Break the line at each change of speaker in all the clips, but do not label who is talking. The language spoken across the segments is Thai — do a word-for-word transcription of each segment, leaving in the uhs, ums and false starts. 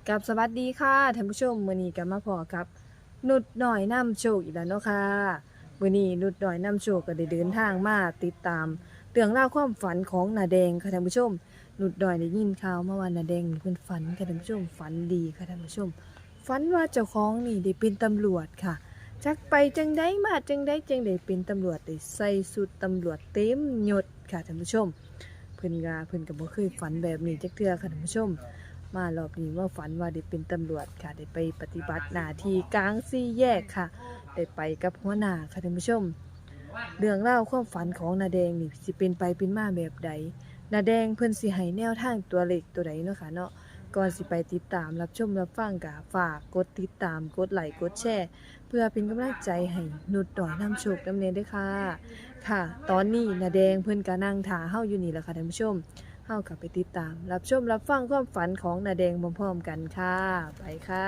กับสวัสดีค่ะท่านผู้ชมมื้อนี้ก็มาพอกับนุชน้อยนำโชคอีกแล้วเนาะค่ะมื้อนี้นุชน้อยนำโชคก็ได้เดินทางมาติดตามเรื่องราวความฝันของนาแดงค่ะท่านผู้ชมนุชน้อยได้ยินข่าวมาว่านาแดงนี่เพิ่นฝันค่ะท่านผู้ชมฝันดีค่ะท่านผู้ชมฝันว่าเจ้าของนี่ได้เป็นตำรวจค่ะจักไปจังไดมาจังไดจังได้เป็นตำรวจได้ใส่ชุดตำรวจเต็มยศค่ะท่านผู้ชมเพิ่นก็เพิ่นก็บ่เคยฝันแบบนี้จักเทื่อค่ะท่านผู้ชม มารอบนี้ว่าฝันว่าได้เป็นตำรวจค่ะได้ไปปฏิบัติหน้าที่กลางสี่แยกค่ะได้ไปกับหัวหน้าค่ะท่านผู้ชมเรื่องเล่าวความฝันของนาแดงนี่สิเป็นไปเป็นมาแบบใดนาแดงเพิ่นสิให้แนวทางตัวเลขตัวใดเนาะค่ะเนาะก่อนสิไปติดตามรับชมรับฟังก็ฝากกดติดตามกดไลค์กดแชร์เพื่อเป็นกำลังใจให้นุชต่อยนำโชคนำเนด้วยค่ะค่ะ ตอนนี้นาแดงเพิ่นก็นั่งท่าเฮาอยู่นี่แหละค่ะท่านผู้ชม เฮากลับไปติดตามรับชมรับฟังความฝันของนาแดงพร้อมๆกันค่ะไปค่ะ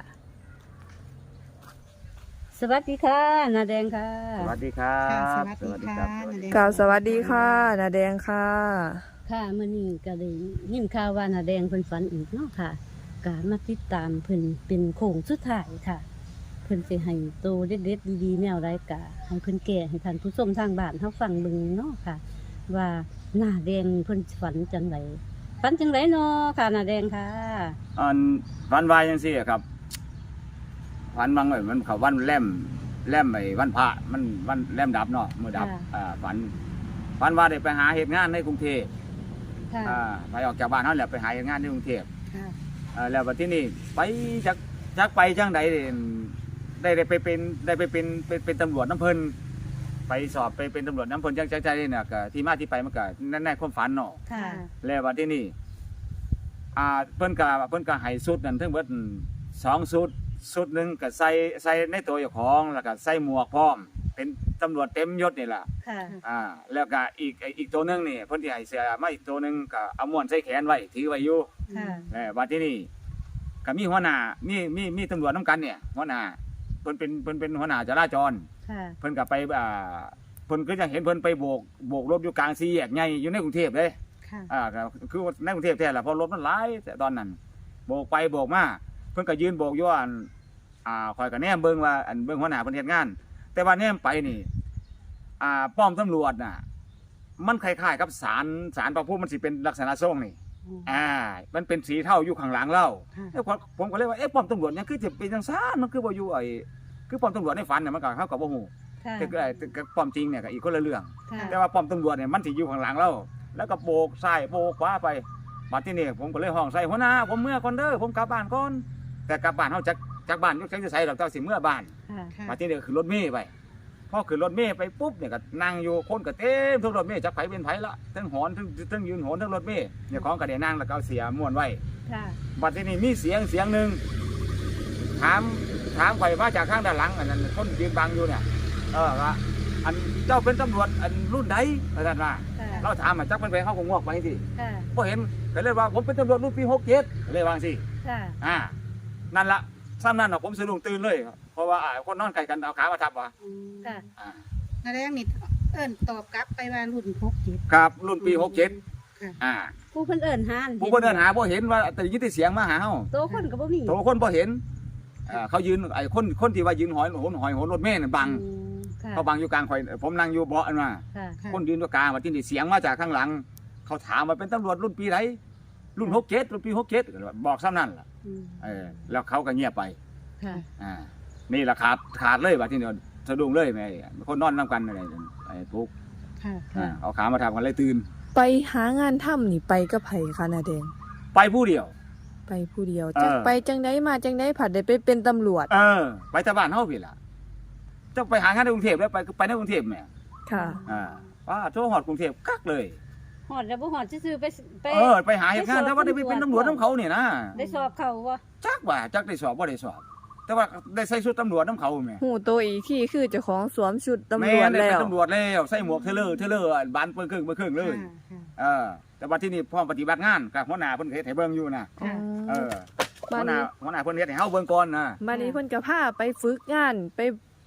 สวัสดีค่ะนาแดงค่ะ
สวัสดีครับ
ค่ะสวัสดีค่ะ
สวัสดี
นาแดง
กล่าวสวัสดีค่ะนาแดงค่ะ
ค่ะมื่อนี้ก็ได้ยินข่าวว่านาแดงเพิ่นฝันอีกเนาะค่ะก็มาติดตามเพิ่นเป็นโค้งสุดท้ายค่ะ เพิ่นสิให้โตเด็ดๆดีๆแนวใดกะให้เพิ่นแก่ให้ท่านผู้ชมทางบ้านเฮาฟังเบิ่งเนาะค่ะ ว่าหน้าแดงเพิ่นฝันจังไดฝันจังไดเนาะค่ะนาแดงค่ะ
อันวันวายยังสี่ครับวันบางเอ้ยมันเขาวันแล่มแล่มไอ้วันพระมันวันแล่มดับเนาะมือดับ
ค่ะ
อ่าฝันฝันว่าได้ไปหาเหตุงานในกรุงเทพ
ค่ะ
อ่าไปออกจากบ้านเขาแหละไปหาเหตุงานในกรุงเทพ
ค่ะ
อ่าแล้ววันที่นี่ไปจากจากไปจังใดได้ได้ไปเป็นได้ไปเป็นเป็นเป็นตำรวจน้ำเพลินไปสอบไปเป็นตำรวจน้ำเพลินจังใจใจเนี่ยก็ที่มาที่ไปมันก็แน่ๆความฝันเนาะ
ค่ะ
แล้ววันที่นี่อ่าเพิ่นก็เพิ่นก็ให้สุดนั่นทั้งเบิดสองสุดสุดหนึงก็ใส่ใส่ในตัวเจ้าของแล้วก็ใส่หมวกพร้อมเป็นตำรวจเต็มยศนี่ล่ะ
ค่ะ
อ่าแล้วก็อีกอีกตัวหนึงนี่เพิ่นสิให้เสื้อมาอีกตัวหนึงก็เอาม้วนใส่แขนไว้ถือไว้อยู่
ค่ะ
เออวันที่นี่ก็มีหัวหน้ามีมีมีตำรวจนํกันเนี่ยหัวหน้าเพิ่นเป็นเพิ่นเป็นหัวหน้าจราจร
ค่ะ
เพิ่นก็ไปอ่าเพิ่นก็จะเห็นเพิ่นไปโบกโบกรถอยู่กลางสี่แยกใหญ่อยู่ในกรุงเทพเลย
ค่ะ
อ่าก็คือว่าในกรุงเทพแท้แหละเพราะรถมันหลายแต่ตอนนั้นโบกไปโบกมาเพิ่นก็ยืนโบกอยู่อันอ่าคอยก็แนมเบิ่งว่าอันเบิ่งหัวหน้าเพิ่นเฮ็ดงาน แต่ว่าแนมไปนี่อ่าป้อมตำรวจน่ะมันคล้ายๆกับศาลศาลพระภูมิมันสิเป็นลักษณะทรงนี่อ่ามันเป็นสีเทาอยู่ข้างหลังเรา
ค่ะ
แล้วผมผมก็เลยว่าเอ๊ะป้อมตำรวจเนี่ยคือจะเป็นจังซ่านมันคือบ่อยู่ไอ้คือป้อมตำรวจในฝันเนี่ยมันก็เฮาก็บ่ฮู้
ค่ะ
แต่ก็ไอ้แต่ป้อมจริงเนี่ยก็อีกคนละเรื่อง
ค่ะ
แต่ว่าป้อมตำรวจเนี่ยมันสิอยู่ข้างหลังเราแล้วก็โบกซ้ายโบกขวาไปบัดที่นี่ผมก็เลยห้องใส่หัวหน้าผมเมื่อก่อนเด้อผมกลับบ้านก่อนแต่กลับบ้านเฮาจากจากบ้านอยู่จังสิใส่ดอกเจ้าสิเมื่อบ้าน
ค่ะ
ค่ะ
บัดที่นี่ก็ขึ้นรถเมล์ไปพอขึ้นรถเมล์ไปปุ๊บเนี่ยก็นั่งอยู่คนก็เต็มทุกรถเมล์จักไผเป็นไผละทั้งหอนทั้งทั้งยืนหอนทั้งรถเมล์เนี่ยของก็ได้นั่งแล้วก็เอาเสียม้วนไว้
ค่ะ
บัดที่นี่มีเสียงเสียงหนึงถามถามข่อยมาจากข้างด้านหลังอันนั้นคนยืนบังอยู่เนี่ยเออว่าอันเจ้าเป็นตำรวจอันรุ่นใดอาจารย์ว่า
ค่ะ
เราถามอ่ะจักเป็นไปเขาคงงอกไปสิ
ค่ะ
พอเห็นก็เลยว่าผมเป็นตำรวจรุ่นปีหกเจ็ดเลยวางสิ
ค่ะ
อ่านั่นละซ้ำนั่นน่ะผมสะดุ้งตื่นเลยครับเพราะว่าอ่าคนนอนไกลกันเอาขามาทับว่ะ
ค่ะ
อ่า
นาแดงนี่เอิ้นตอบกลับไปว่ารุ่นพกจิต
ครับรุ่นปีหกเจ็ด
ค่ะ
อ่า
ผู้เพิ่นเอิ้นหาน
ผู้คนเดินหาพอเห็นว่าแต่ยินแต่เสียงมาหาเฮา
โตคนก็บ่มี
โตคนพอเห็นอ่าเขายืนไอ้คนคนที่ว่ายืนหอยโหนหอยโหนรถเมล์น่ะบัง
อืมค่ะ
เขาบังอยู่กลางข่อยผมนั่งอยู่เบาะอันว่า
ค่ะ
ค่ะ
คนยืนตัวกลางว่าที่นี่เสียงมาจากข้างหลัง เขาถามว่าเป็นตำรวจรุ่นปีไหนรุ่นหกเจ็ดรุ่นปีหกเจ็ดบอกซ้ำนั่นล่ะ
อืม
เออแล้วเขาก็เงียบไป
ค่ะ
อ่านี่แหละขาดขาดเลยว่าที่เดียวสะดุ้งเลยแม่คนนอนน้ำกันอะไรไอ้ทุก
ค่ะ
อ่าเอาขามาทำกันเลยตื่น
ไปหางานทำนี่ไปกับไผค่ะนาแดง
ไปผู้เดียว
ไปผู้เดียว
เออ
จักไปจังไดมาจังไดผัดได้ไปเป็นตำรวจ
เออ ไปแต่บ้านเฮาพี่ล่ะจะไปหางานในกรุงเทพแล้วไปไปในกรุงเทพแม่
ค่ะ
อ่าว่าโทรหอดกรุงเทพกักเลย
หอดแล้วบ่หอดซื่อๆไปไป
เออไปหาเหตุงานแต่ว่าได้ไปเป็นตำรวจน้ำเขาเนี่ยนะ
ได้สอบเขาบ่
จักว่าจักได้สอบว่าได้สอบ แต่ว่าได้ใส่ชุดตำรวจน้ำเขาแม่
หูตัวอีกที่คือเจ้าของสวมชุดตำร
แม่
วจ
ได้
แล้
เป็น
ว
ตำรวจแล้วใส่หมวกเทเลอร์เทเลอร์บานเปิ้งครึ่งเปิ้งครึ่งเลย
ค่ะ
เออแต่ว่าที่นี่พร้อมปฏิบัติงานกับหัวหน้าเพิ่นเฮ็ดให้เบิ่งอยู่นะ
ค่ะ
เออหั
บ้า
วน หน้า
นี้
หัวหน้าเพิ่นเฮ็ดให้เฮาเบิ่งก่อนนะ
บ้านนี้เพิ่นก็พาไปฝึกงานไป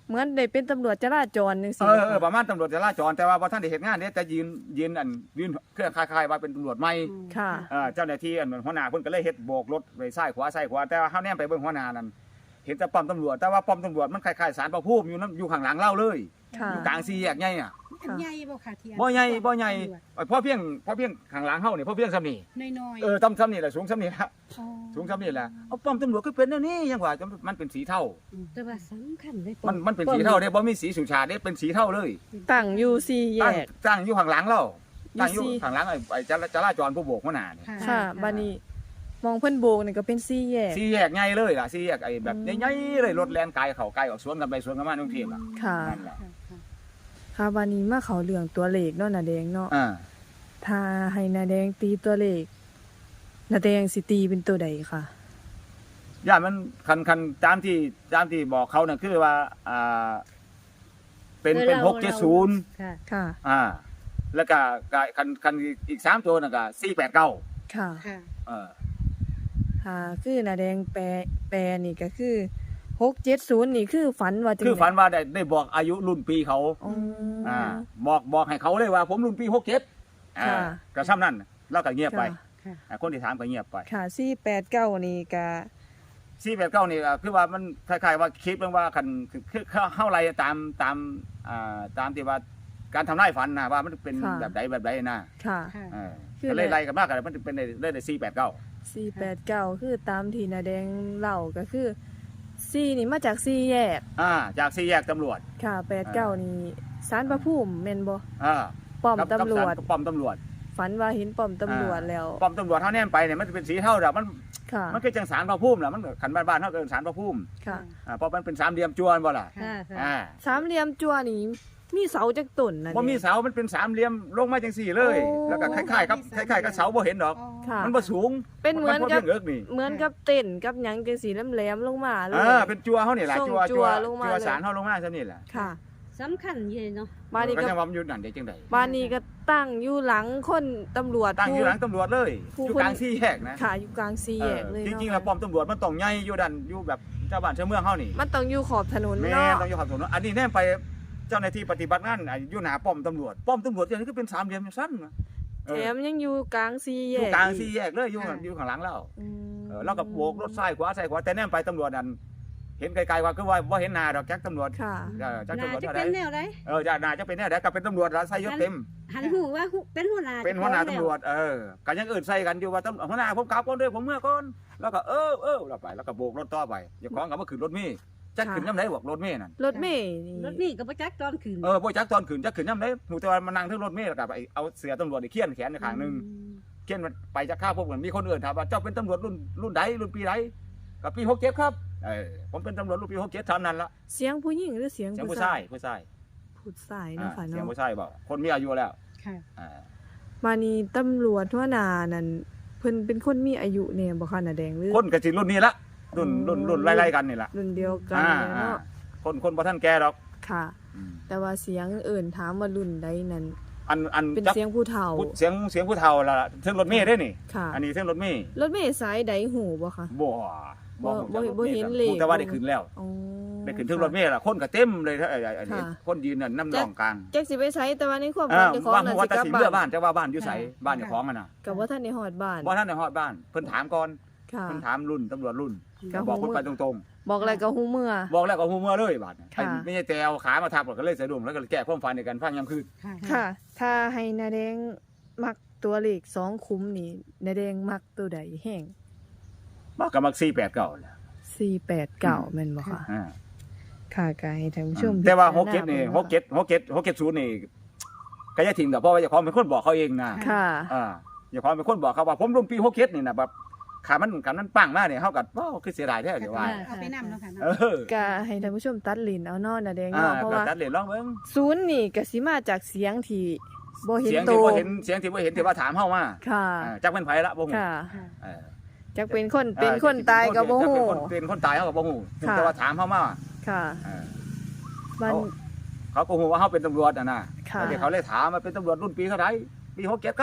เหมือนได้เป็นตำรวจจราจรจัง
เอ
ซี่
อเออประมาณตำรวจจราจรแต่ว่าบ่ทันได้เฮ็ดงานเด้แต่ยืนยืนอันยืนเครื่องคล้ายๆว่าเป็นตำรวจใหม่
ค่ะ
เออเจ้าหน้าที่อันหัวหน้าเพิ่นก็เลยเฮ็ดโบกรถไปซ้ายขวาซ้ายขวาแต่ว่าเฮาแนมไปเบิ่งหัวหน้านั่นเห็นแต่ป้อมตำรวจแต่ว่าป้อมตำรวจมันคล้ายๆศาลพระภูมิอยู่นํอยู่ข้างหลังเล่าเลย
ค่ะ
อยู่กลางสี่แยกใหญ่อ่ะ
อันใหญ่บ่ค่ะที่อัน
บ่ใหญ่บ่ใหญ่เพราะเพียงเพราะเพียงข้างหลังเฮานี่เพราะเพียงซ้ำนี่
น้อยๆ
เออต้ำซ้ำนี่แหละสูงซ้ำนี่ละ
อ๋อ
สูงซ้ำนี่แหละเอาป้อมตำรวจก็เป็นแนวนี้ยังว่ามันเป็นสีเทา
แต่ว่าสำคัญเลย
มันมันเป็นสีเทาเด้บ่มีสีสุชาติเด้เป็นสีเทาเลย
ตั้งอยู่สี่แย
ตั้ง
ก
ตั้งอยู่ข้างหลังเรา
อยู่
ตั้งอยู่
สี่
ข้างหลังไอ้ไอ้จราจราจรผู้โบกหัวหน้านี่
ค่ะบัดนี้มองเพิ่นโบกนี่ก็เป็นสี่แยก
สี่แยกใหญ่เลยล่ะสี่แยกไอ้แบบ
อืม
ใหญ่ๆเลยรถแล่นไกลเข้าไกลออกสวนกันไปสวนกันมาในกรุงเทพอ่ะ
ค่ะ
นั่นแหละ
ค่ะค่ะ
ค่ะบัดนี้มาเข้าเรื่องตัวเลขเนาะนาแดงเนาะ
อ่า
ถ้าให้นาแดงตีตัวเลขนาแดงสิตีเป็นตัวใดค่ะ
ย่ามันคันคันตามที่ตามที่บอกเขาน่ะคือว่าอ่าเป็นเป็นหกเจ็ดศูนย์
ค่ะ
ค่ะ
อ่า แล้วก็ก็คันคันอีกสามตัวน่ะก็สี่แปดเก้า
ค่ะ
ค่ะ
เออ
ค่ะคือนาแดงแปลแปลนี่ก็คือหกเจ็ดศูนย์นี่คือฝันว่าจัง
คือฝันว่าได้ได้บอกอายุรุ่นปีเขา
อ๋ออ
อ่าบอกบอกให้เขาเลยว่าผมรุ่นปีหกเจ็ดอ่า
ค่ะ
ก็ซ้ำนั่นแล้วก็เงียบไป
ค่ะ
ค่ะ
อ่าคนที่ถามก็เงียบไป
ค่ะสี่แปดเก้านี่ก็
สี่แปดเก้านี่อ่ะคือว่ามันคล้ายๆว่าคลิปเรื่องว่าคันคือคือเข้าไรตามตามอ่าตามที่ว่าการทำนายฝันนะว่ามันเป็นแบบใดแบบใดนะ
ค่ะ
ค่ะ
เออ
คือ
ก็เลยไล่กันมากกันมันเป็นได้ได้สี่แปดเก้า
สี่แปดเก้าคือตามที่นาแดงเล่าก็คือสี่นี่มาจากสี่แยก
อ่าจากสี่แยกตำรวจ
ค่ะแปดเก้านี่ศาลพระภูมิแม่นบ่
อ่า
ป้อม
กับ
ตำรวจ
กับป้อมตำรวจ
ฝันว่าเห็นป้อมตำรวจแล้ว
ป้อมตำรวจเท่าแนมไปเนี่ยมันจะเป็นสีเท่าแบบมัน
ค่ะ
มันคือจังสารพระภูมิแหละมันขันบ้านบ้านๆเท่ากับสารพระภูมิ
ค่ะ
อ่าเพราะมันเป็นสามเหลี่ยมจวนบ่ล่ะ
ค่ะค่ะ
อ่า
สามเหลี่ยมจั่วนี่มีเสาจักต้นนะ
บ่มีเสามันเป็นสามเหลี่ยมลงมาจังสี่เลย
โอ้
แล้วก็คล้ายๆกับคล้ายๆกับเสาบ่เห็นดอก
อ๋อ
ค่ะ
มันบ่สูง
เป็นเหมือน
พราะ
กับ
เพียงเอิกนี่
เหมือนกับเต้นกับหยังจังสีแหลมๆลงมาเลย
อ่าเป็นจัวเฮานี่แหละ
ส่ง
จัว
จั่
จั
ว
ว
ลงมา
จัว
เลย
สารเฮาลงมาซะนี่แหละ
ค่ะ
สำคัญเยเนาะ
บ้านนี้
ก็
ก็
จังว่ามันอยู่นั่นได้จังได๋
บ้านนี้ก็ตั้งอยู่หลังคนตำรวจ
ตั้งอยู่หลัง
ผู้
ตำรวจเลย
ผู้
อยู่
คน
กลางสี่แยกนะ
ค่ะอยู่กลางสี่แยกเลย
จ
เนาะ
ริงๆแล้วป้อมตำรวจมันต้องใหญ่อยู่ดันอยู่แบบเจ้าบ้านเจ้าเมืองเฮานี่
มันต้องอยู่ขอบถนน
แม่
เนาะ
ต้องอยู่ขับถนนอันนี้แน่ไปเจ้าหน้าที่ปฏิบัติงานอ่ะอยู่หน้าป้อมตำรวจป้อมตำรวจอย่างนี้ก็เป็นสามเหลี่ยมสั้นนะเอ
แถ
อ
มยังอยู่กลางสี่
อ
แย
ยู่
ก
กลาง
อี
สี่แยกเลยอยู่อยู่ข้างหลังเรา
อืม
เออแล้วก็โบกรถซ้ายขวาซ้ายขวาแต่แน่ไปตำรวจนั่นเห็นไกลๆว่าคือว่าบ่เห็นหน้าดอกแจ็คตำรวจ
ค่ะ
เออจัก
น่า
ตำรวจ
จะ
เท่าไห
เป็
ร่
นแนวใด
เออจะน่าจะเป็นแน่ได้ก็เป็นตำรวจแล้วใส่ยศเต็ม
หันหูว่าหูเป็นหัวหน้า
เป็นหัวหน้าตำรวจเออกันยังอื่นใส่กันอยู่ว่าตำหัวหน้าผมกลับก่อนเด้อผมเมื่อก่อนแล้วก็เออเออแล้วไปแล้วก็โบกรถต่อไปอย่าของกับว่าขึ้นรถเมล์จักขึ้นย่ำไหนบอกรถเมล์นั่น
รถเมล์นี่
รถนี่ก็บ่จักตอนคืน
เออบ่จักตอนขึ้นจักขึ้นย่ำไหนหมู่แต่ว่ามานั่งถึงรถเมล์แล้วก็ไปเอาเสือตำรวจนี่เขียนแขนในข้างหนึงเขียนมันไปจะฆ่าพวกมันมีคนอื่นถามว่าเจ้าเป็นตำรวจรุ่นรุ่นใดรุ่นปีใดก็ปีหกเจ็ดครับเออผมเป็นตำรวจรุ่นปีหกเจ็ดเท่านั้นละ
เสียงผู้หญิงหรือเสียง
เสียง
ผู้
ผู้
ชา
ชาย ยผู้ชาย
ผู้ชาย
อ่า
เนาะค่ะ
เสียง
เนาะ
ผู้ชายบอกคนมีอายุแล้ว
ค่ะ
อ่า
มานี่ตำรวจหัวหน้านั่นเพิ่นเป็นคนมีอายุแน่บ่คะน่ะแดงหรือ
คนก็สิรุ่นนี้ละรุ่นรุ่นรุ่นไล่ๆกันนี่ละ
รุ่นเดียวกัน
อ่า
เลย
อ่า
เนาะ
คนคนบ่ทันแก่ดอก
ค่ะ
อืม
แต่ว่าเสียงเอิ่นถามว่ารุ่นใดนั้น
อันอัน
เป็น
จัก
เสียงผู้เฒ่า
ผู้เสียงเสียงผู้เฒ่าละเสียงรถเมล์ได้นี่
ค่ะ
อันนี้เสียงรถเมล์
รถเมล์สายใดหูบ่คะ
บ่
บ่
บ่
บ่บ่เห็นเลข
แต่ว่าได้ขึ้นแล้ว
อ๋อ
ได้ขึ้นถึงรถเมล์ล่ะคนก็เต็มเลยถ้าไอ้ไอ้ไอ้นี่
ค่ะ
คนยืนน่ะน้ำร่องกลาง
จักสิไปไสแต่ว่าในความ
เอ
ฝัน
อ
เจ้าของ
ว่า
น่ะ
ว่า
สิ
แต่
กลับ
สิ
บ้า
เมื่อน บ้านแต่ว่าบ้านอยู่ไสบ้านเจ้าของอ่ะน่ะ
ก็บ่ทันได้ฮอดบ้าน
บ่ทันได้ฮอดบ้าน เพิ่นถามก่อน
ค่ะ
เพิ่นถามรุ่นตำรวจรุ่น
ก็
บอก
ฮู้
เพิ่นไปตรง
บอกอะไรก็ฮู้เมื่อ
ๆ บอกแล้วก็ฮู้เมื่อเลยบาดเนี่ย
ค่ะ
ไอ้ไม่ใช่แต่เอาขามาทับก็เลยสะดุ้งแล้วก็แก้ความฝันในการฟังยามคืน
ค่ะ
ค่ะ ถ้าให้นาแดงมักตัวเลขสองคุ้มนี่นาแดงมักตัวใดแห้ง
บ่ก็มักสี่แปดเก้าแหละ
สี่แปดเก้าแม่นบ่คะ
อ่า
ค่ะก็ให้ท่านผู้ชม
แต่ว่า
พิจรณ
หกเจ็ดนี่
บิ่ง
หกเจ็ดหกเจ็ดหกเจ็ดศูนย์นี่ก็อย่าทิ้งดอกเพราะว่าเจ้าของเป็นคนบอกเขาเองนะ
ค่ะ
อ่าเจ้าของเป็นคนบอกเขาว่าผมรุ่นปีหกเจ็ดนี่นะแบบขามันขามันปังมากเนี่ยเฮาก็ว้าวคือเสียดายแท้เดี๋ยวว่า
เอาไปนำแล้วค่ะ
เอ
เนาะ
อ
ก็ให้ท่านผู้ชมตัดลิ้นเอาเนาะนาแดง
อ่า
เนาะเพราะ
ก็
ว่า
ตัดเหรียญลองเบิ่ง
ศูนย์นี่ก็สิมาจากเสียงที่บ่เห็น
เสียง
โต
ที่บ่เห็นเสียงที่บ่เห็นที่ว่าถามเฮามา
ค่ะ
อ่าจักเป็นไผละบ่ฮู้
ค่ะ
ค่ะ
เออ
จักเป็นคนเป็นคนตายก็บ่ฮู้
จักเป็นคนเป็นคนตายเฮาก็บ่ฮู้
ค่ะ
แต่ว่าถามเฮามา
ค่ะ
เออ
มัน
เขาก็ฮู้ว่าเฮาเป็นตำรวจอ่ะนะ
ค่ะ
แล้วเขาเลยถามว่าเป็นตำรวจรุ่นปีเท่าไหร่ปีหกเจ็ดครับ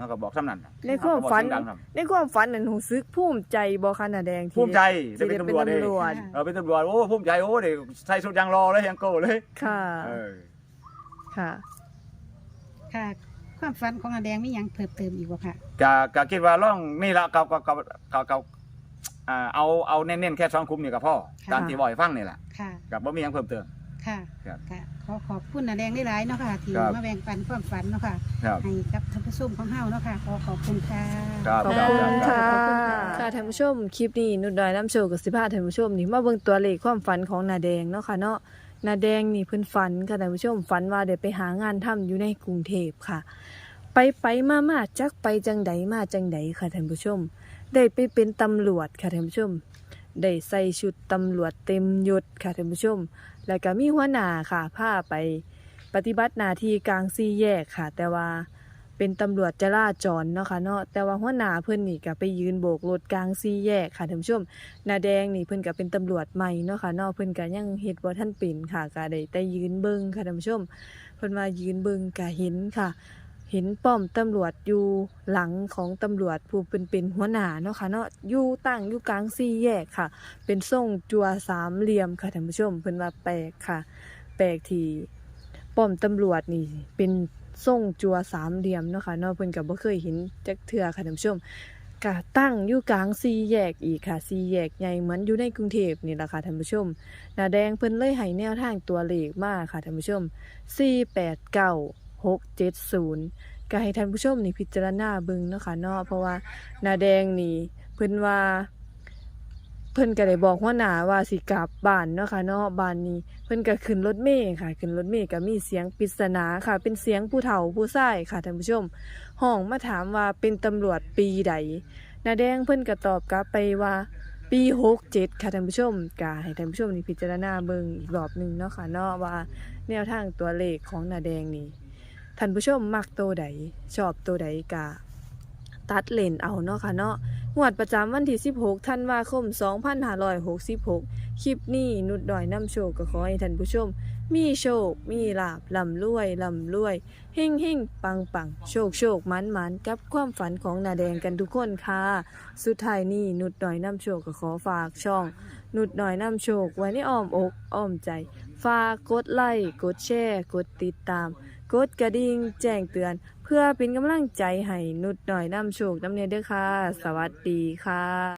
เขาก็บอกซ้ำนั่นน่ะ
ในความฝัน
เขก็บอกเสียงดังนำ
ในความฝันนั้นรู้สึกภูมิใจบ่คะน่ะแดงที่
ภูมิใจ
ที่
ได้
ได้
เป็น
เป็น
ตำรวจเด้
ตำรวจ
เออเป็นตำรวจโอ้ภูมิใจโอ้เด้ใส่ชุดยางรอเลยยังโก้เลย
ค่ะ
เออ
ค่ะ
ค่ะ ความฝันของอาแดงมีหยังเพิ่มเติมอีกบ่ค่ะ
ก็ก็คิดว่าล่องนี่ละก็ก็ก็ก็ก็อ่าเอาเอาเน้นๆแค่สองคุมนี่ก็พอ
ค่ะ
ตามที่บ่อยฟังนี่แหละ
ค่ะ
กับบ่มีหยังเพิ่มเติม
ค่ะ
ครับ
ค่ะขอขอบคุณอาแดงได้หลายๆเนาะค่ะที่
ครับ
มาแบ่งปันความฝันเนาะค่ะ
ครับ
ให้กับท่านผู้ชมของเฮาเนาะค่ะขอขอบคุณค่ะ
ครับ
ขอบ
ครับ
คุณ
ครับ
ค่ะ
ขอบคุณค่ะ
ค่ะท่านผู้ชมคลิปนี้นุดดอยน้ำโชว์กับสิพาท่านผู้ชมนี่มาเบิ่งตัวเลขความฝันของนาแดงเนาะค่ะเนาะนาแดงนี่เพิ่นฝันค่ะท่านผู้ชมฝันว่าได้ไปหางานทำอยู่ในกรุงเทพค่ะ ไปไปมามาจักไปจังใดมาจังใดค่ะท่านผู้ชม ได้ไปเป็นตำรวจค่ะท่านผู้ชม ได้ใส่ชุดตำรวจเต็มยศค่ะท่านผู้ชม แล้วก็มีหัวหน้าค่ะพาไปปฏิบัติหน้าที่กลางสี่แยกค่ะ แต่ว่าเป็นตำรวจจราจรเนาะค่ะเนาะแต่ว่าหัวหน้าเพิ่นนี่ก็ไปยืนโบกรถกลางสี่แยกค่ะท่านผู้ชมหน้าแดงนี่เพิ่นก็เป็นตำรวจใหม่เนาะค่ะเนาะเพิ่นก็ยังเฮ็ดบ่ทันเป็นค่ะก็ได้แต่ยืนเบิ่งค่ะท่านผู้ชมเพิ่นว่ายืนเบิ่งก็เห็นค่ะ เห็นป้อมตำรวจอยู่หลังของตำรวจผู้เป็นเป็นหัวหน้าเนาะค่ะเนาะอยู่ตั้งอยู่กลางสี่แยกค่ะ เป็นทรงจั่วสามเหลี่ยมค่ะท่านผู้ชมเพิ่นว่าแปลกค่ะ แปลกที่ป้อมตำรวจนี่เป็นทรงจั่วสามเหลี่ยมเนาะค่ะเนาะเพิ่นก็บ่เคยเห็นจักเทื่อค่ะท่านผู้ชมก็ตั้งอยู่กลางสี่แยกอีกค่ะสี่แยกใหญ่เหมือนอยู่ในกรุงเทพนี่ล่ะค่ะท่านผู้ชมหน้าแดงเพิ่นเลยให้แนวทางตัวเลขมาค่ะท่านผู้ชมสี่แปดเก้า หกเจ็ดศูนย์ก็ให้ท่านผู้ชมนี่พิจารณาเบิ่งเนาะค่ะเนาะเพราะว่าหน้าแดงนี่เพิ่นว่า เพิ่นก็ได้บอกหัวหน้าว่าสิกลับบ้านเนาะค่ะเนาะบ้านนี้เพิ่นก็ขึ้นรถเมล์ค่ะขึ้นรถเมล์ก็มีเสียงปริศนาค่ะ เป็นเสียงผู้เฒ่าผู้ชายค่ะท่านผู้ชมห้องมาถามว่าเป็นตำรวจปีใดน้าแดงเพิ่นก็ตอบกลับไปว่าปีหกเจ็ดค่ะท่านผู้ชมก็ให้ท่านผู้ชมนี่พิจารณาเบิ่งอีกรอบหนึงเนาะค่ะเนาะว่าแนวทางตัวเลขของน้าแดงนี่ท่านผู้ชมมักตัวใดชอบตัวใดก็ตัดเลนเอาเนาะค่ะเนาะ งวดประจำวันที่สิบหกธันวาคมสองพันห้าร้อยหกสิบหกคลิปนี้นุดดอยน้ำโชคก็ขอให้ท่านผู้ชม มีโชค มีลาบลำรวยลำรวยเฮ่งเฮ่งปังปังโชคโชคมันมันกับความฝันของนาแดงกันทุกคนค่ะ สุดท้ายนี้นุดดอยน้ำโชคก็ขอฝากช่อง นุดดอยน้ำโชคไว้ในอ้อมอกอ้อมใจ ฝากกดไลค์กดแชร์กดติดตาม กดกระดิ่งแจ้งเตือน เพื่อเป็นกำลังใจให้นุดหน่อยนำโชคนำเนเด้อค่ะ สวัสดีค่ะ